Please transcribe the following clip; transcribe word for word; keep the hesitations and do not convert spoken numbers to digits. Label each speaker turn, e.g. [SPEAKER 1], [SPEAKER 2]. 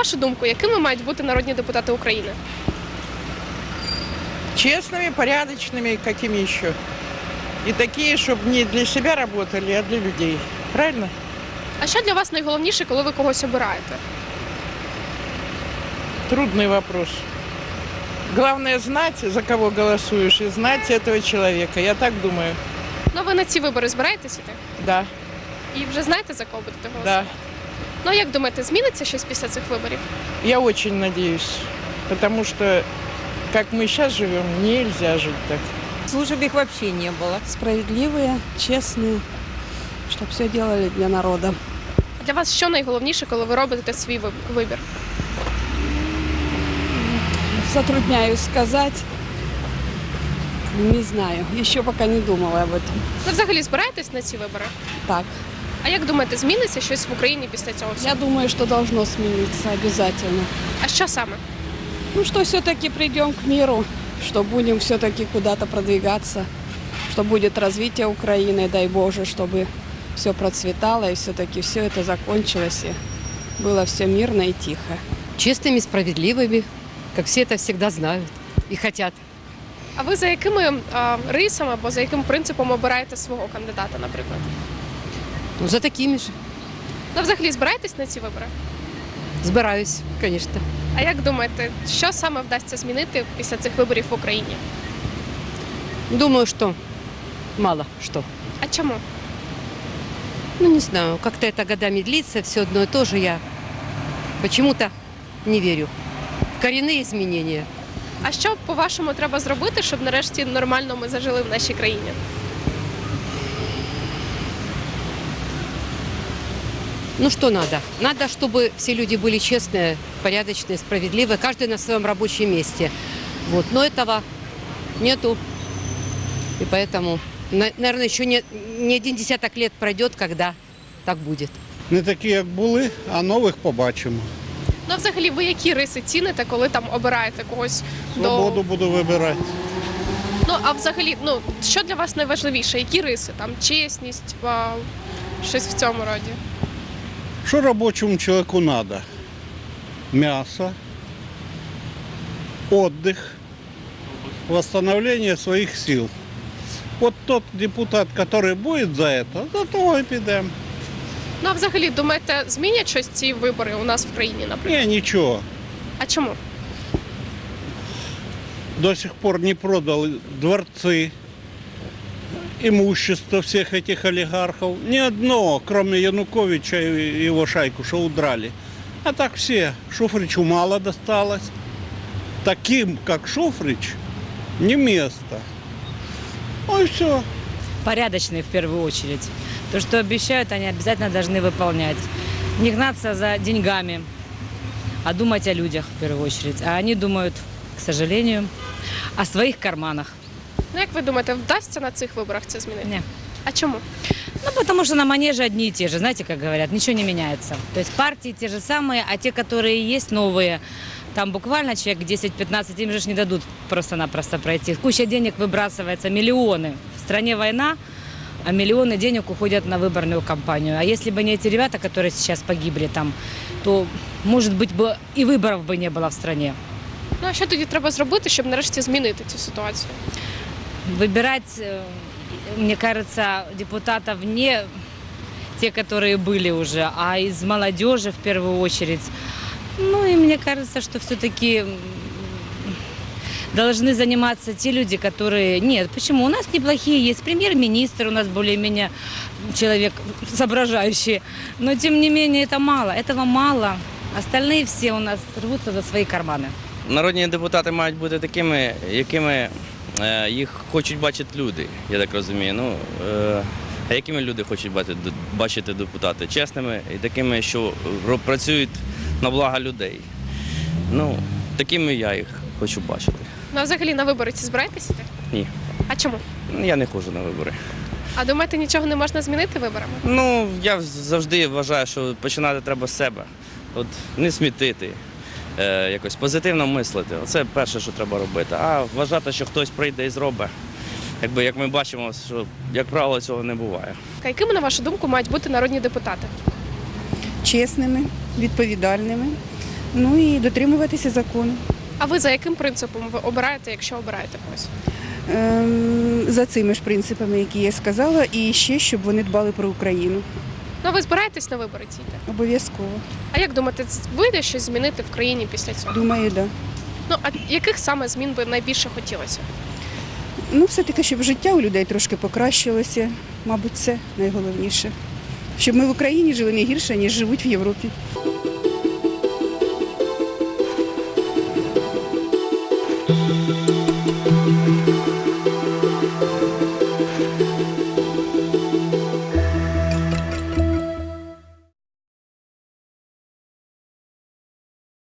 [SPEAKER 1] вашу думку, якими мають бути народні депутати України?
[SPEAKER 2] Честными, порядочными, какими еще. И такие, чтобы не для себя работали, а для людей. Правильно?
[SPEAKER 1] А що для вас найголовніше, коли ви когось обираєте?
[SPEAKER 2] Трудный вопрос. Главное знать, за кого голосуешь, и знать этого человека. Я так думаю.
[SPEAKER 1] Ну, ви на ці вибори збираєтесь іти?
[SPEAKER 2] Да,
[SPEAKER 1] І вже знаєте, за кого будете голосувати?
[SPEAKER 2] да.
[SPEAKER 1] Ну, а як думаєте, зміниться щось після цих виборів?
[SPEAKER 2] Я очень надеюсь. Потому что, как мы сейчас живем, нельзя жить так.
[SPEAKER 3] Служб их вообще не было.
[SPEAKER 4] Справедливые, честные, чтобы все делали для народа.
[SPEAKER 1] Для вас що найголовніше, коли ви робите свій виб- вибір?
[SPEAKER 4] Затрудняюсь сказать. Не знаю, еще пока не думала об этом.
[SPEAKER 1] Ви взагалі збираєтесь на ці вибори?
[SPEAKER 4] Так,
[SPEAKER 1] А як думаєте, зміниться щось в Україні після цього всього?
[SPEAKER 4] я думаю, что должно смениться обязательно.
[SPEAKER 1] А що саме?
[SPEAKER 4] Ну, что все-таки придем к миру, что будем все-таки куда-то продвигаться, что будет развитие Украины, дай Боже, чтобы все процветало и все-таки все это закончилось и было все мирно и тихо.
[SPEAKER 5] Честными, справедливыми, как все это всегда знают и хотят.
[SPEAKER 1] А ви за якими а, рисами або за яким принципом обираєте свого кандидата, наприклад?
[SPEAKER 5] Ну, за такими же.
[SPEAKER 1] Ну, взагалі збираєтесь на ці вибори?
[SPEAKER 5] Збираюсь, конечно.
[SPEAKER 1] А як думаєте, що саме вдасться змінити після цих виборів в Україні?
[SPEAKER 5] Думаю, что мало что.
[SPEAKER 1] А чому?
[SPEAKER 5] Ну, не знаю, как-то это годами длится, все одно и то же. Я почему-то не верю. В коренные изменения.
[SPEAKER 1] А що, по-вашому, треба зробити, щоб нарешті нормально ми зажили в нашій країні?
[SPEAKER 5] Ну, что надо? Надо, чтобы все люди были честные, порядочные, справедливые, каждый на своем рабочем месте. Вот. Но этого нету. И поэтому, на- наверное, еще не, не один десяток лет пройдет, когда так будет.
[SPEAKER 6] Не такі, як були, а нових побачимо.
[SPEAKER 1] Ну, а взагалі, ви які риси ціните, коли там обираєте когось
[SPEAKER 6] Свободу
[SPEAKER 1] до...
[SPEAKER 6] буду вибирати.
[SPEAKER 1] Ну, а взагалі, ну, що для вас найважливіше? Які риси? Там чесність, а, щось в цьому роді?
[SPEAKER 6] Що робочому чоловіку треба? М'ясо, відпочинок, восстановлення своїх сил. От тот депутат, який буде за це, за того і підемо.
[SPEAKER 1] Ну, а взагалі, думаєте, змінять щось ці вибори у нас в країні, наприклад?
[SPEAKER 6] Ні, нічого.
[SPEAKER 1] А чому?
[SPEAKER 6] До сих пор не продали дворцы, имущество всех этих олигархов. Ни одно, кроме Януковича и его шайку, что удрали. А так все. Шуфричу мало досталось. Таким, как Шуфрич, не место. Ну и все.
[SPEAKER 3] Порядочные в первую очередь. То, что обещают, они обязательно должны выполнять. Не гнаться за деньгами, а думать о людях в первую очередь. А они думают, к сожалению, о своих карманах.
[SPEAKER 1] Ну, як ви думаєте, вдасться на цих виборах це змінити?
[SPEAKER 3] Не.
[SPEAKER 1] А чому?
[SPEAKER 3] Ну, потому что на манеже одни и те же, знаете, как говорят, ничего не меняется. То есть партии те же самые, а те, которые есть новые, там буквально человек десять-пятнадцать, им же ж не дадут просто-напросто пройти. Куча денег выбрасывается, миллионы. В стране война, а миллионы денег уходят на выборную кампанию. А если бы не эти ребята, которые сейчас погибли там, то, может быть, бы и выборов бы не было в стране.
[SPEAKER 1] Ну, а що тоді треба зробити, щоб нарешті змінити цю ситуацію?
[SPEAKER 3] Выбирать, э, мне кажется, депутатов не те, которые были уже, а из молодежи в первую очередь. Ну и мне кажется, что все-таки должны заниматься те люди, которые... Нет, почему? У нас неплохие есть премьер-министр, у нас более-менее человек соображающий. Но тем не менее это мало, этого мало. Остальные все у нас рвутся за свои карманы.
[SPEAKER 7] Народні депутати мають бути такими, якими е, їх хочуть бачити люди, я так розумію. Ну, е, а якими люди хочуть бачити, бачити депутати? Чесними і такими, що ро- працюють на благо людей. Ну, такими я їх хочу бачити.
[SPEAKER 1] Ну, а взагалі на вибори ці збираєтесь іти?
[SPEAKER 7] Ні,
[SPEAKER 1] А чому?
[SPEAKER 7] я не ходжу на вибори.
[SPEAKER 1] А думаєте, нічого не можна змінити виборами?
[SPEAKER 7] Ну, я завжди вважаю, що починати треба з себе. От не смітити, е, якось позитивно мислити. Це перше, що треба робити. А вважати, що хтось прийде і зробить. Якби, як ми бачимо, що, як правило, цього не буває.
[SPEAKER 1] А якими, на вашу думку, мають бути народні депутати?
[SPEAKER 8] Чесними, відповідальними, Ну і дотримуватися закону.
[SPEAKER 1] А ви за яким принципом ви обираєте, якщо обираєте когось?
[SPEAKER 8] Ем, за цими ж принципами, які я сказала, і ще, щоб вони дбали про Україну.
[SPEAKER 1] Ну, а ви збираєтесь на вибори ці йти?
[SPEAKER 8] Обов'язково.
[SPEAKER 1] А як думаєте, вийде щось змінити в країні після цього?
[SPEAKER 8] Думаю, так. Да.
[SPEAKER 1] Ну, а яких саме змін би найбільше хотілося?
[SPEAKER 8] Ну, все-таки, щоб життя у людей трошки покращилося, мабуть, це найголовніше. Щоб ми в Україні жили не гірше, ніж живуть в Європі.
[SPEAKER 9] Thank you.